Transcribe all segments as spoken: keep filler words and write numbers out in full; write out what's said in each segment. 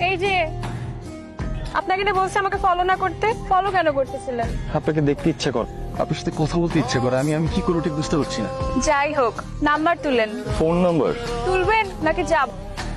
এই যে আপনাকে না বলছি আমাকে ফলো না করতে, ফলো কেন করতেছিলেন? আপনাকে দেখতে ইচ্ছা কর, আপনার সাথে কথা বলতে ইচ্ছা করে, আমি আমি কি করবো ঠিক বুঝতে পারছি না। যাই হোক, নাম্বার তুলেন। ফোন নাম্বার তুলবেন নাকি যাব?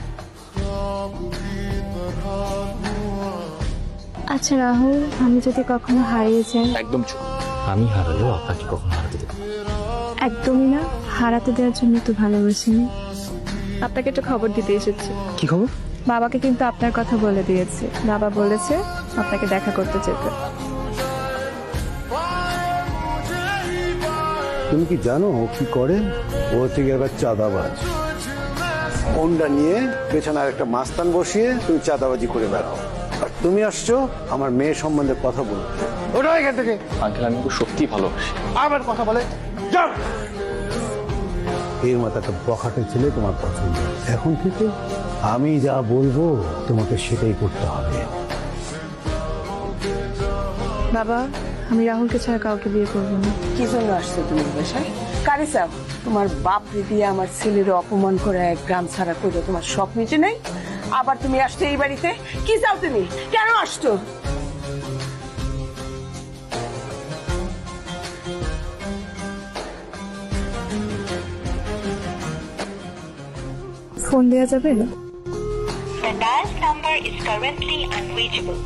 আচ্ছা রাহুল, আমি যদি কখনো হারিয়ে যাই? একদম চুপ। আমি হারালেও আপনাকে কখনো হারাতে দেব না। একদমই না, হারাতে দেওয়ার জন্য তো ভালোবাসিনি। আপনাকে একটু খবর দিতে এসেছি। কি খবর? বাবাকে কিন্তু আপনার কথা বলে দিয়েছি। বাবা বলেছে আপনাকে দেখা করতে যেতে। তুমি কি জানো ও কি করে? ও হচ্ছে গিয়ে একবার চাঁদাবাজ। ফোনটা নিয়ে পেছনে আর একটা মাস্তান বসিয়ে তুমি চাঁদাবাজি করে বেড়াও, আর তুমি আসছো আমার মেয়ে সম্বন্ধে কথা বলতে। ওটা এখান থেকে আঙ্কেল, আমি তো সত্যি ভালোবাসি। আবার কথা বলে যাও। এর মতো একটা বখাটে ছেলে তোমার পছন্দ। এখন থেকে আমি যা বলবো তোমাকে সেটাই করতে হবে। বাবা, আমি রাহুলকে ছাড়া কাউকে বিয়ে করবো না। কি জন্য আসছো তুমি বাসায়? কারে চাও? তোমার বাপ দিয়ে আমার ছেলের অপমান করে এক গ্রাম ছাড়া করে তোমার শখ মিটে নাই, আবার তুমি আসছো এই বাড়িতে? কি চাও তুমি? কেন আসছো? ফোন দেওয়া যাবে? The dialed number is currently unreachable.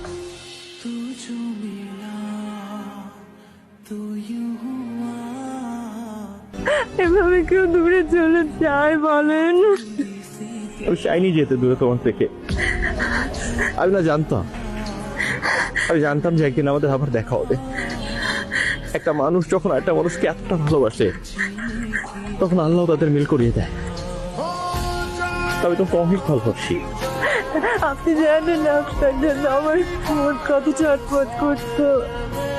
এভাবে কেউ দূরে চলে যায় বলেন? আমি চাইনি যেতে দূরে তোমার থেকে। আমি না জানতাম, আমি জানতাম যে একদিন আমাদের আবার দেখা হবে। একটা মানুষ যখন একটা মানুষকে এতটা ভালোবাসে, তখন আল্লাহ তাদের মিল করিয়ে দেয়। আমি তো অনেক ভালোবাসি। আপনি জানেন আপনার জন্য আমার মন কত ছটফট করতো।